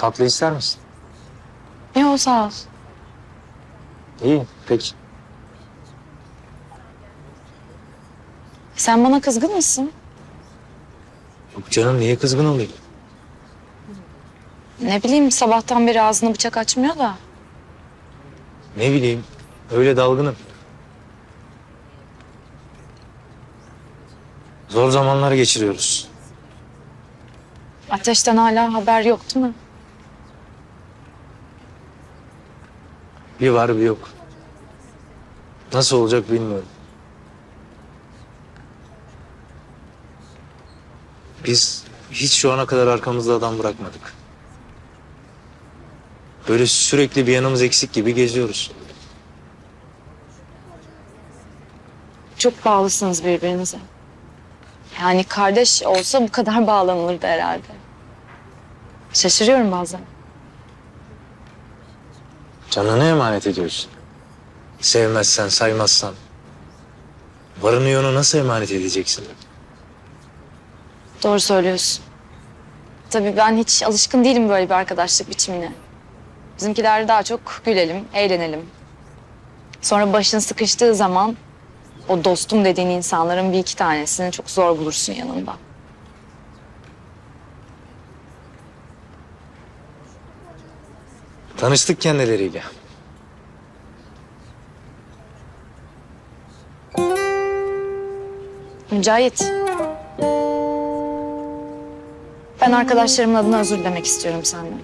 Tatlı ister misin? Yok sağ ol. İyi, peki. Sen bana kızgın mısın? Yok canım, niye kızgın olayım? Ne bileyim sabahtan beri ağzını bıçak açmıyor da. Ne bileyim, öyle dalgınım. Zor zamanlar geçiriyoruz. Ateşten hala haber yok değil mi? Bir var bir yok. Nasıl olacak bilmiyorum. Biz hiç şu ana kadar arkamızda adam bırakmadık. Böyle sürekli bir yanımız eksik gibi geziyoruz. Çok bağlısınız birbirinize. Yani kardeş olsa bu kadar bağlanılırdı herhalde. Şaşırıyorum bazen. Canını emanet ediyorsun. Sevmezsen, saymazsan. Varını yoğunu nasıl emanet edeceksin? Doğru söylüyorsun. Tabii ben hiç alışkın değilim böyle bir arkadaşlık biçimine. Bizimkiler daha çok gülelim, eğlenelim. Sonra başın sıkıştığı zaman o dostum dediğin insanların bir iki tanesini çok zor bulursun yanında. Tanıştık kendileriyle. Mücahit. Ben arkadaşlarımın adına özür dilemek istiyorum senden.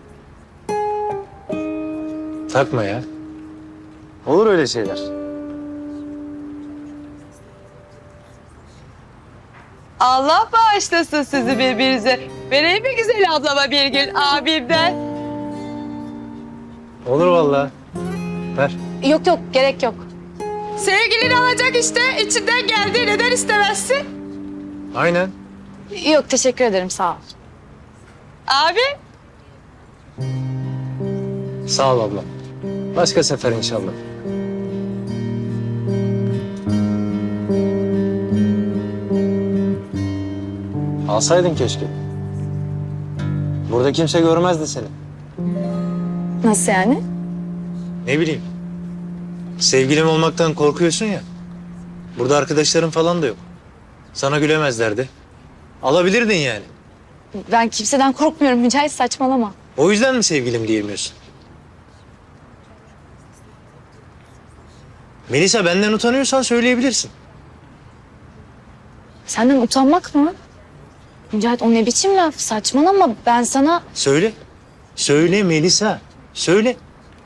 Takma ya. Olur öyle şeyler. Allah bağışlasın sizi birbirinize. Vereyim mi güzel ablama bir gün abimden? Olur vallahi. Ver. Yok yok gerek yok. Sevgilini alacak işte. İçinden geldi. Neden istemezsin? Aynen. Yok teşekkür ederim sağ ol. Abi. Sağ ol abla. Başka sefer inşallah. Alsaydın keşke. Burada kimse görmezdi seni. Nasıl yani? Ne bileyim. Sevgilim olmaktan korkuyorsun ya. Burada arkadaşların falan da yok. Sana gülemezlerdi. Alabilirdin yani. Ben kimseden korkmuyorum Mücahit saçmalama. O yüzden mi sevgilim diyemiyorsun? Melisa, benden utanıyorsan söyleyebilirsin. Senden utanmak mı? Mücahit o ne biçim laf saçmalama ben sana... Söyle. Söyle Melisa. Söyle.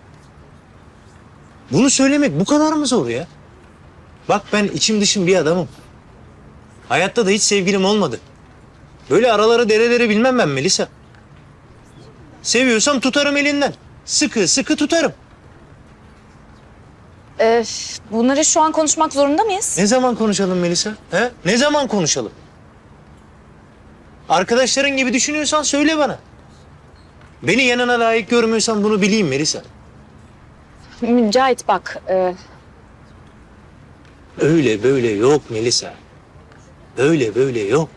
Bunu söylemek bu kadar mı zor ya? Bak, ben içim dışım bir adamım. Hayatta da hiç sevgilim olmadı. Böyle araları dereleri bilmem ben Melisa. Seviyorsam tutarım elinden. Sıkı sıkı tutarım. Bunları şu an konuşmak zorunda mıyız? Ne zaman konuşalım Melisa? He? Ne zaman konuşalım? Arkadaşların gibi düşünüyorsan söyle bana. Beni yanına layık görmüyorsan bunu bileyim Melisa. Mücahit bak Öyle böyle yok Melisa. Öyle böyle yok.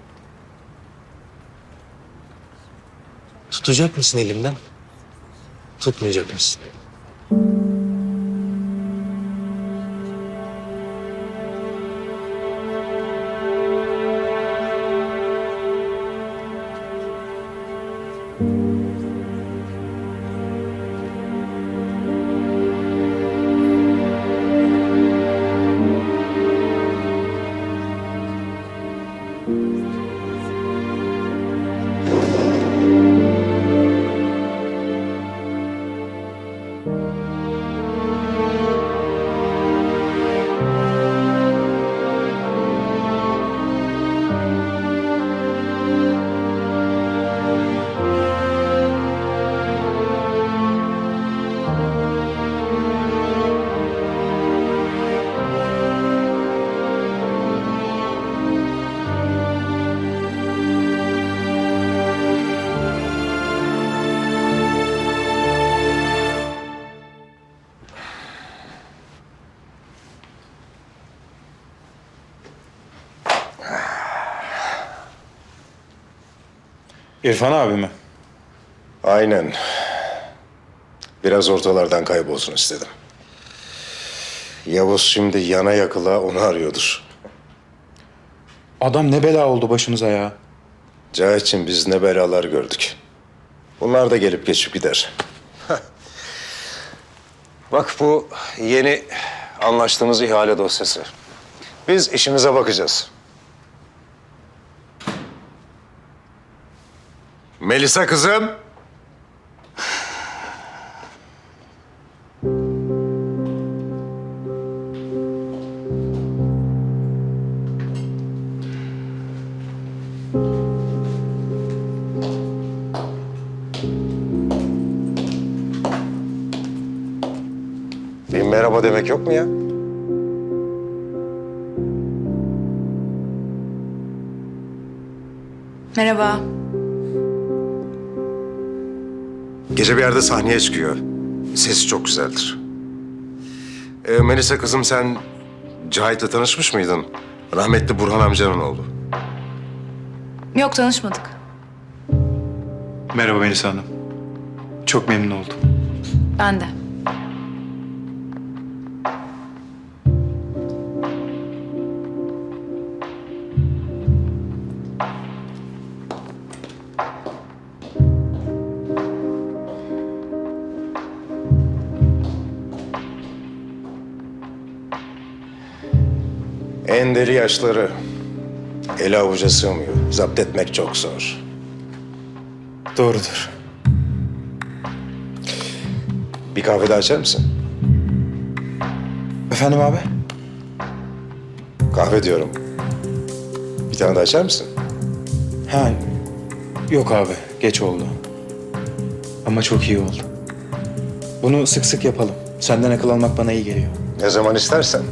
Tutacak mısın elimden? Tutmayacak mısın? İrfan abi mi? Aynen. Biraz ortalardan kaybolsun istedim. Yavuz şimdi yana yakıla onu arıyordur. Adam ne bela oldu başınıza ya. Cahit'ciğim biz ne belalar gördük. Bunlar da gelip geçip gider. Bak bu yeni anlaştığımız ihale dosyası. Biz işimize bakacağız. Melisa kızım. Bir merhaba demek yok mu ya? Merhaba. Gece bir yerde sahneye çıkıyor. Sesi çok güzeldir. Melisa kızım sen Cahit'le tanışmış mıydın? Rahmetli Burhan amcanın oğlu. Yok, tanışmadık. Merhaba Melisa Hanım. Çok memnun oldum. Ben de. En deli yaşları. Ele avuca sığmıyor. Zapt etmek çok zor. Doğrudur. Bir kahve daha açar mısın? Efendim abi? Kahve diyorum. Bir tane daha açar mısın? Ha, yok abi. Geç oldu. Ama çok iyi oldu. Bunu sık sık yapalım. Senden akıl almak bana iyi geliyor. Ne zaman istersen.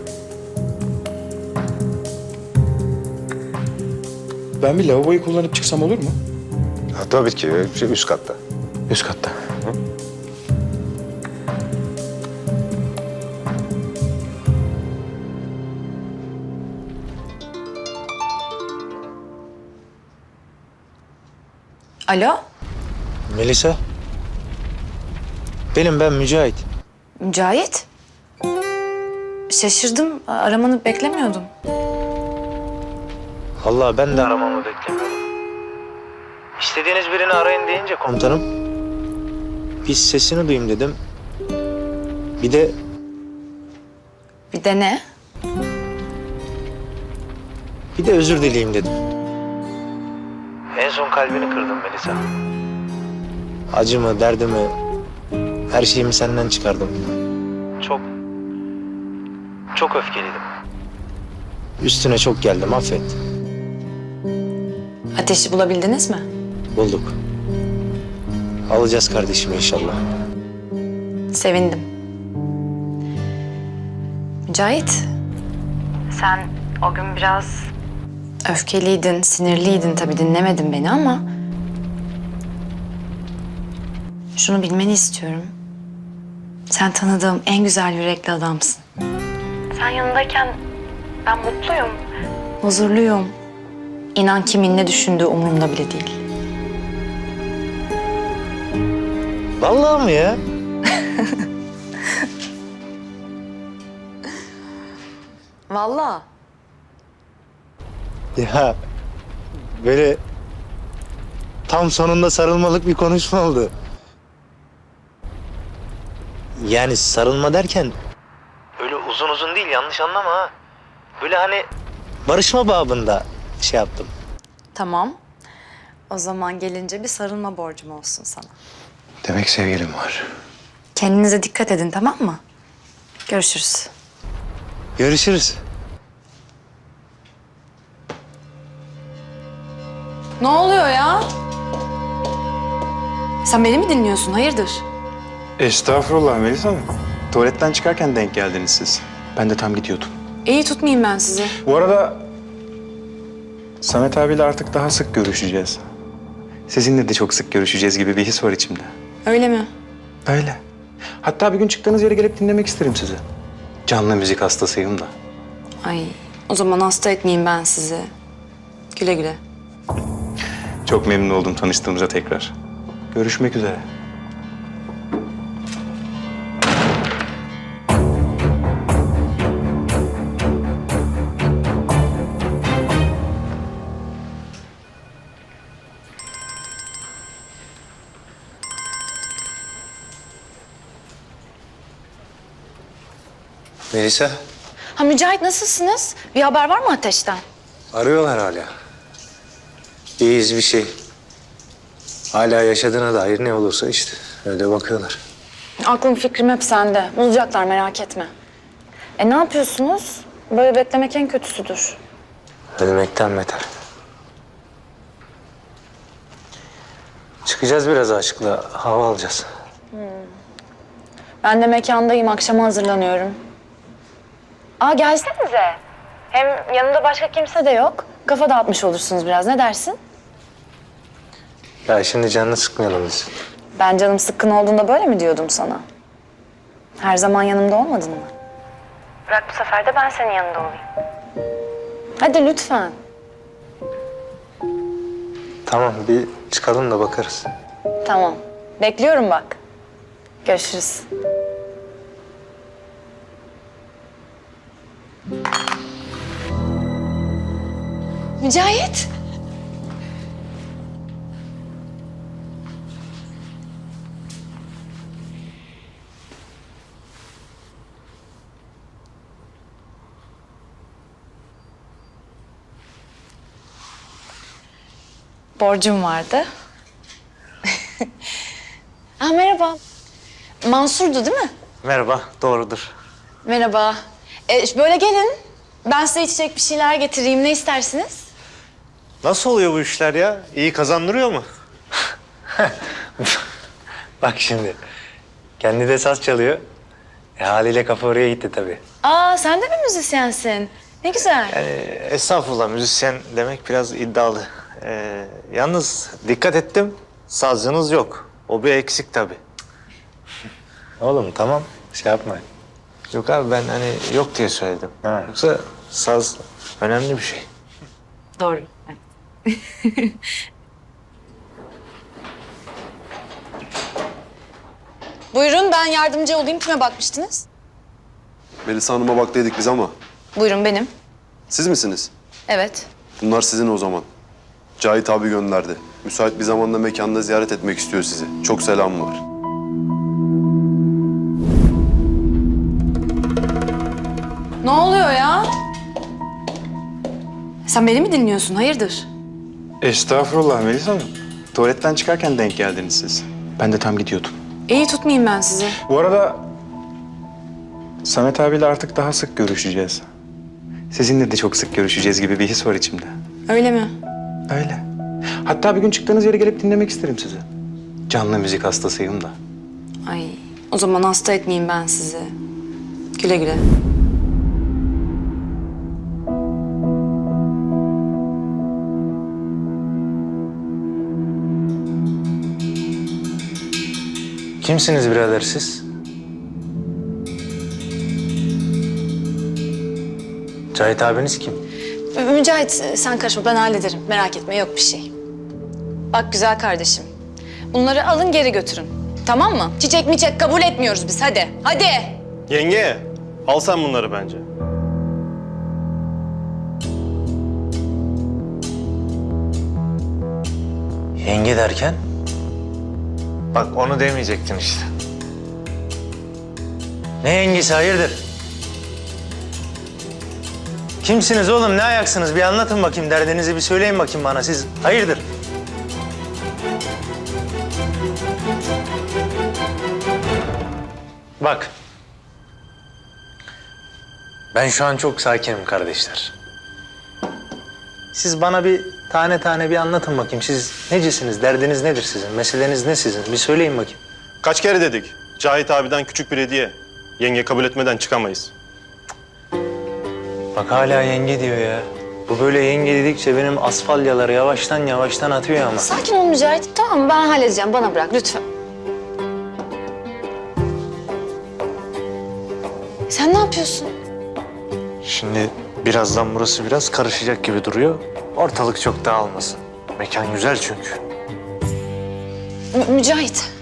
Ben bir lavaboyu kullanıp çıksam olur mu? Ha, tabii ki üst katta. Üst katta. Alo, Melisa. Ben Mücahit. Mücahit. Şaşırdım. Aramanı beklemiyordum. Vallahi ben de aramamı beklemiyordum. İstediğiniz birini arayın deyince komutanım, bir sesini duyayım dedim. Bir de Bir de ne? özür dileyeyim dedim. En son kalbini kırdım Melisa. Acımı, derdimi, her şeyimi senden çıkardım. Çok öfkeliydim. Üstüne çok geldim, affet. Ateşi bulabildiniz mi? Bulduk. Alacağız kardeşimi inşallah. Sevindim. Mücahit. Sen o gün biraz öfkeliydin, sinirliydin tabii, dinlemedin beni ama şunu bilmeni istiyorum. Sen tanıdığım en güzel yürekli adamsın. Sen yanındayken ben mutluyum. Huzurluyum. İnan kimin ne düşündüğü umurumda bile değil. Vallahi mı ya? Vallahi. Ya böyle tam sonunda sarılmalık bir konuşma oldu. Yani sarılma derken öyle uzun uzun değil, yanlış anlama ha. Böyle hani barışma babında şey yaptım. Tamam. O zaman gelince bir sarılma borcum olsun sana. Demek sevgilim var. Kendinize dikkat edin, tamam mı? Görüşürüz. Görüşürüz. Ne oluyor ya? Sen beni mi dinliyorsun? Hayırdır? Estağfurullah Melisa Hanım. Tuvaletten çıkarken denk geldiniz siz. Ben de tam gidiyordum. İyi, tutmayayım ben sizi. Bu arada Samet abiyle artık daha sık görüşeceğiz. Sizinle de çok sık görüşeceğiz gibi bir his var içimde. Öyle mi? Öyle. Hatta bir gün çıktığınız yere gelip dinlemek isterim sizi. Canlı müzik hastasıyım da. Ay, o zaman hasta etmeyeyim ben sizi. Güle güle. Çok memnun oldum tanıştığımıza tekrar. Görüşmek üzere. Melisa, Ha Mücahit, nasılsınız? Bir haber var mı Ateş'ten? arıyorlar hala. İyiyiz bir şey. Hala yaşadığına dair ne olursa işte öyle bakıyorlar. Aklım fikrim hep sende. Bulacaklar, merak etme. Ne yapıyorsunuz? Böyle beklemek en kötüsüdür. Ölmekten beter. Çıkacağız biraz aşkla, hava alacağız. Ben de mekandayım, akşama hazırlanıyorum. Aa, gelsenize. Hem yanımda başka kimse de yok. Kafa dağıtmış olursunuz biraz, ne dersin? Ya şimdi canını sıkmayalım biz. Ben canım sıkkın olduğunda böyle mi diyordum sana? Her zaman yanımda olmadın mı? Bırak bu sefer de ben senin yanında olayım. Hadi lütfen. Tamam, bir çıkalım da bakarız. Tamam. Bekliyorum bak. Görüşürüz. Mücahit. Borcum vardı. Merhaba. Mansur'du değil mi? Merhaba, doğrudur. Merhaba. Böyle gelin. Ben size içecek bir şeyler getireyim. Ne istersiniz? Nasıl oluyor bu işler ya? İyi kazandırıyor mu? Bak şimdi, kendi de saz çalıyor. Haliyle kafa oraya gitti tabii. Aa, sen de mi müzisyensin? Ne güzel. Yani estağfurullah, müzisyen demek biraz iddialı. Yalnız dikkat ettim, sazcınız yok. O bir eksik tabii. Oğlum tamam, şey yapma. Yok abi, ben hani yok diye söyledim. Ha. Yoksa saz önemli bir şey. Doğru. Buyurun, ben yardımcı olayım. Kime bakmıştınız? Melisa Hanım'a baktıydık biz ama. Buyurun, benim. Siz misiniz? Evet. Bunlar sizin o zaman. Cahit abi gönderdi. Müsait bir zamanda mekanda ziyaret etmek istiyor sizi. Çok selam var. Ne oluyor ya? Sen beni mi dinliyorsun? Hayırdır? Estağfurullah Melisa Hanım. Tuvaletten çıkarken denk geldiniz siz. Ben de tam gidiyordum. İyi, tutmayayım ben sizi. Bu arada Samet abiyle artık daha sık görüşeceğiz. Sizinle de çok sık görüşeceğiz gibi bir his var içimde. Öyle mi? Öyle. Hatta bir gün çıktığınız yere gelip dinlemek isterim sizi. Canlı müzik hastasıyım da. Ay, o zaman hasta etmeyeyim ben sizi. Güle güle. Kimsiniz birader siz? Cahit abiniz kim? Mücahit, sen karışma, ben hallederim. Merak etme, yok bir şey. Bak güzel kardeşim, bunları alın geri götürün. Tamam mı? Çiçek miçek kabul etmiyoruz biz, hadi. Hadi! Yenge, al sen bunları bence. Yenge derken? Bak onu demeyecektin işte. Ne yengesi, hayırdır? Kimsiniz oğlum, ne ayaksınız? Bir anlatın bakayım, derdinizi bir söyleyin bakayım bana. Siz hayırdır? Bak. Ben şu an çok sakinim kardeşler. Siz bana bir tane tane bir anlatın bakayım. Siz necisiniz? Derdiniz nedir sizin? Meseleniz ne sizin? Bir söyleyin bakayım. Kaç kere dedik? Cahit abiden küçük bir hediye. Yenge kabul etmeden çıkamayız. Bak hala yenge diyor ya. Bu böyle yenge dedikçe benim asfalyaları yavaştan yavaştan atıyor ama. Sakin ol Mücahit, tamam mı? Ben halledeceğim, bana bırak lütfen. Sen ne yapıyorsun? Şimdi birazdan burası biraz karışacak gibi duruyor. Ortalık çok dağılmasın. Mekan güzel çünkü. Mücahit.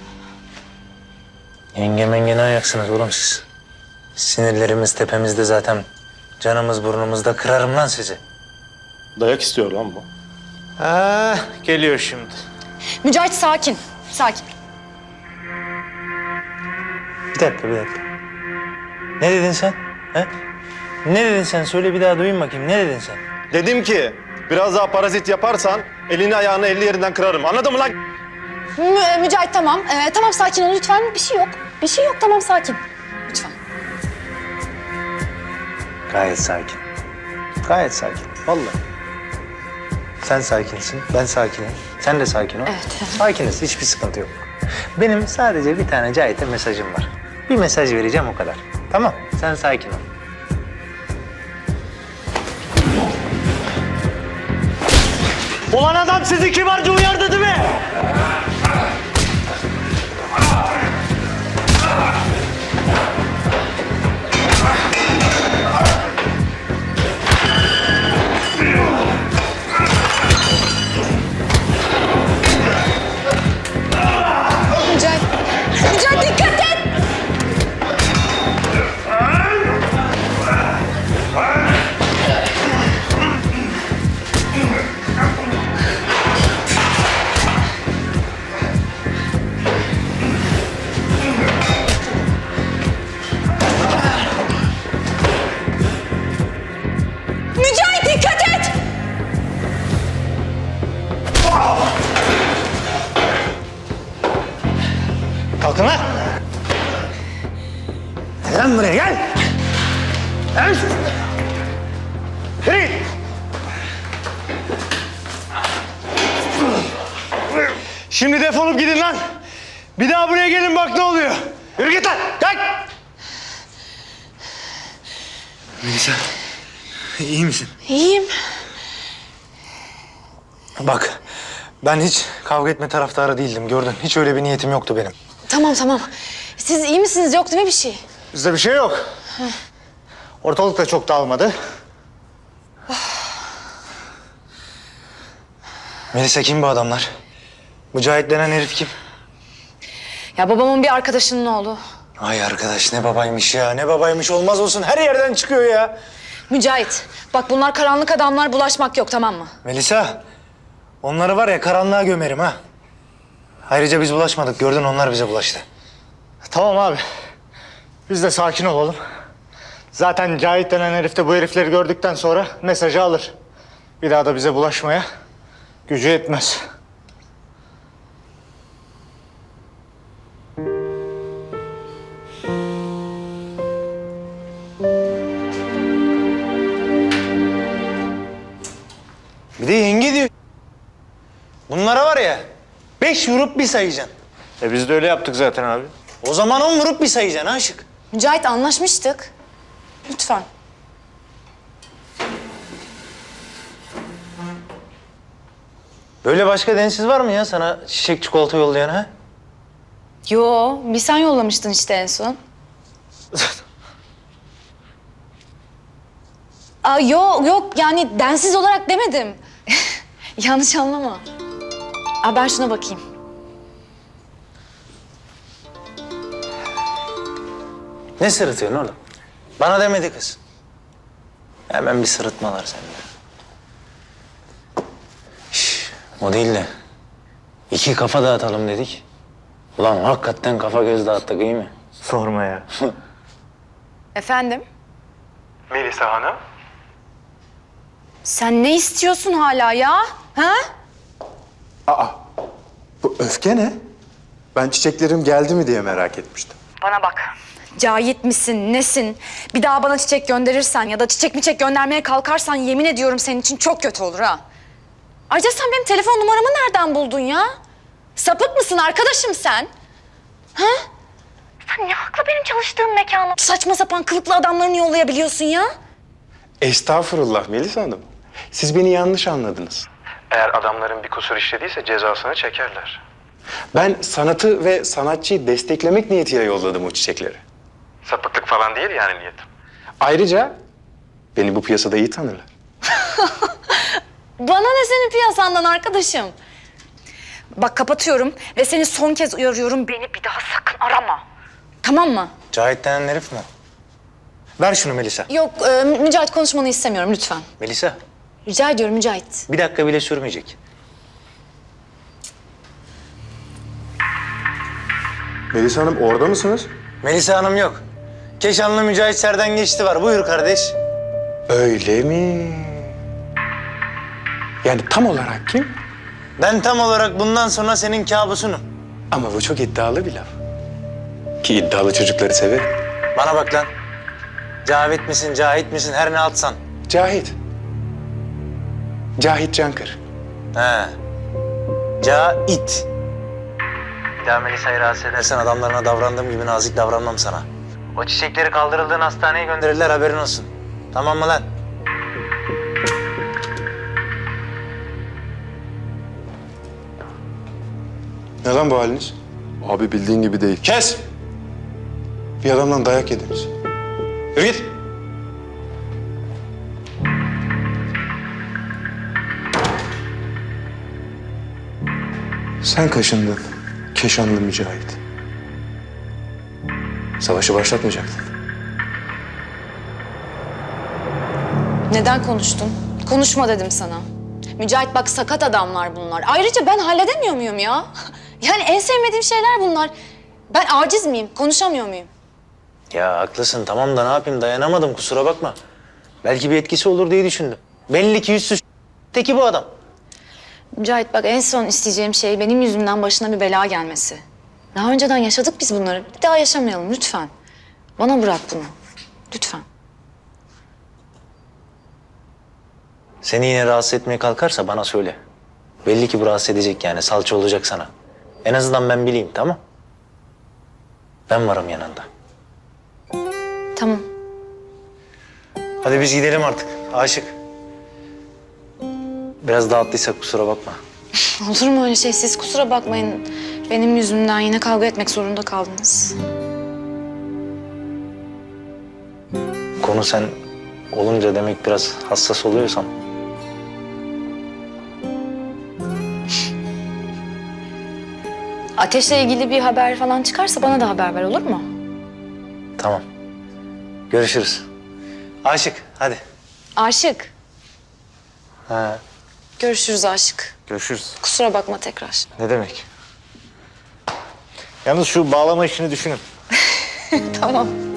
Yenge menge ne ayaksınız oğlum siz? Sinirlerimiz tepemizde zaten. Canımız burnumuzda, kırarım lan sizi. Dayak istiyor lan bu. Geliyor şimdi. Mücahit sakin. Sakin. Bir dakika. Ne dedin sen? He? Ne dedin sen? Söyle bir daha duyayım bakayım. Ne dedin sen? Dedim ki biraz daha parazit yaparsan elini ayağını 50 yerinden kırarım. Anladın mı lan? Mücahit tamam. Tamam sakin ol lütfen. Bir şey yok. Bir şey yok tamam sakin. Lütfen. Gayet sakin. Gayet sakin. Vallahi. Sen sakinsin, ben sakinim. Sen de sakin ol. Evet. Sakiniz, hiçbir sıkıntı yok. Benim sadece bir tane Cahit'e mesajım var. Bir mesaj vereceğim o kadar. Tamam, sen sakin ol. Ulan adam sizi kibarca uyardı değil mi? Mücahit. Mücahit dikkat et. Mücahit dikkat et. Kalkın lan! Gel lan buraya gel! Gel! Yürü git! Şimdi defolup gidin lan! Bir daha buraya gelin bak ne oluyor! Yürü git lan! Kalk! Melisa, iyi misin? İyiyim. Bak, ben hiç kavga etme taraftarı değildim gördün. Hiç öyle bir niyetim yoktu benim. Tamam. Siz iyi misiniz? Yok değil mi bir şey? Bizde bir şey yok. Ortalık da çok dağılmadı. Melisa kim bu adamlar? Mücahit denen herif kim? Ya babamın bir arkadaşının oğlu. Ay arkadaş ne babaymış ya. Ne babaymış olmaz olsun. Her yerden çıkıyor ya. Mücahit, bak bunlar karanlık adamlar, bulaşmak yok tamam mı? Melisa, onları var ya karanlığa gömerim ha. Ayrıca biz bulaşmadık. Gördün onlar bize bulaştı. Tamam abi. Biz de sakin olalım. Zaten Cahit denen herif de bu herifleri gördükten sonra mesajı alır. Bir daha da bize bulaşmaya gücü yetmez. Bir de yenge diyor. Bunlara var ya 5 vurup bir sayacaksın. Biz de öyle yaptık zaten abi. O zaman 10 vurup bir sayacaksın aşık. Mücahit anlaşmıştık. Lütfen. Böyle başka densiz var mı ya sana çiçek çikolata yollayan ha? Yo, bir sen yollamıştın işte en son. Yok yani densiz olarak demedim. Yanlış anlama. Ben şuna bakayım. Ne sırıtıyorsun oğlum? Bana demedi kız. Hemen bir sırıtmalar sende. O değil de 2 kafa dağıtalım dedik. Ulan hakikaten kafa göz dağıttık iyi mi? Sorma ya. Efendim? Melisa Hanım? Sen ne istiyorsun hala ya? Ha? Bu öfke ne? Ben çiçeklerim geldi mi diye merak etmiştim. Bana bak. Cahit misin, nesin? Bir daha bana çiçek gönderirsen ya da çiçek göndermeye kalkarsan yemin ediyorum senin için çok kötü olur ha. Ayrıca sen benim telefon numaramı nereden buldun ya? Sapık mısın arkadaşım sen? Ha? Sen ne hakla benim çalıştığım mekana saçma sapan kılıklı adamlarını yollayabiliyorsun ya? Estağfurullah Melisa Hanım. Siz beni yanlış anladınız. Eğer adamların bir kusur işlediyse cezasını çekerler. Ben sanatı ve sanatçıyı desteklemek niyetiyle yolladım o çiçekleri. Sapıklık falan değil yani niyetim. Ayrıca beni bu piyasada iyi tanırlar. Bana ne senin piyasandan arkadaşım? Bak kapatıyorum ve seni son kez uyarıyorum. Beni bir daha sakın arama. Tamam mı? Cahit denen herif mi? Ver şunu Melisa. Yok, Mücahit konuşmanı istemiyorum lütfen. Melisa, Rica ediyorum Mücahit. bir dakika bile sürmeyecek. Melisa Hanım orada mısınız? Melisa Hanım yok. Keşanlı Mücahit Serden geçti var. Buyur kardeş. Öyle mi? Yani tam olarak kim? Ben tam olarak bundan sonra senin kabusunum. Ama bu çok iddialı bir laf. Ki iddialı çocukları severim. Bana bak lan. Cavit misin, Cahit misin, her ne atsan. Cahit. Cahit Cankır. He. Cahit. Bir daha Melisa'yı rahatsız edersen adamlarına davrandığım gibi nazik davranmam sana. O çiçekleri kaldırıldığın hastaneye gönderirler, haberin olsun. Tamam mı lan? Ne lan bu haliniz? Abi bildiğin gibi değil. Kes! Bir adamdan dayak yediniz. Yürü git. Sen kaşındın, Keşanlı Mücahit. Savaşı başlatmayacaktın. Neden konuştun? Konuşma dedim sana. Mücahit bak sakat adamlar bunlar. Ayrıca ben halledemiyor muyum ya? Yani en sevmediğim şeyler bunlar. Ben aciz miyim? Konuşamıyor muyum? Ya haklısın, tamam da ne yapayım, dayanamadım, kusura bakma. Belki bir etkisi olur diye düşündüm. Belli ki yüzsüz teki bu adam. Mücahit bak en son isteyeceğim şey benim yüzümden başına bir bela gelmesi. Daha önceden yaşadık biz bunları. Bir daha yaşamayalım lütfen. Bana bırak bunu. Lütfen. Seni yine rahatsız etmeye kalkarsa bana söyle. Belli ki bu rahatsız edecek yani, salça olacak sana. En azından ben bileyim, tamam? Ben varım yanında. Tamam. Hadi biz gidelim artık, Aşık. Biraz dağıttıysak kusura bakma. Olur mu öyle şey? Siz kusura bakmayın. Benim yüzümden yine kavga etmek zorunda kaldınız. Konu sen olunca demek biraz hassas oluyorsan. Ateşle ilgili bir haber falan çıkarsa bana da haber ver olur mu? Tamam. Görüşürüz. Aşık, hadi. Aşık. Ha. Görüşürüz Aşık. Görüşürüz. Kusura bakma tekrar. Ne demek? Yalnız şu bağlama işini düşünün. Tamam.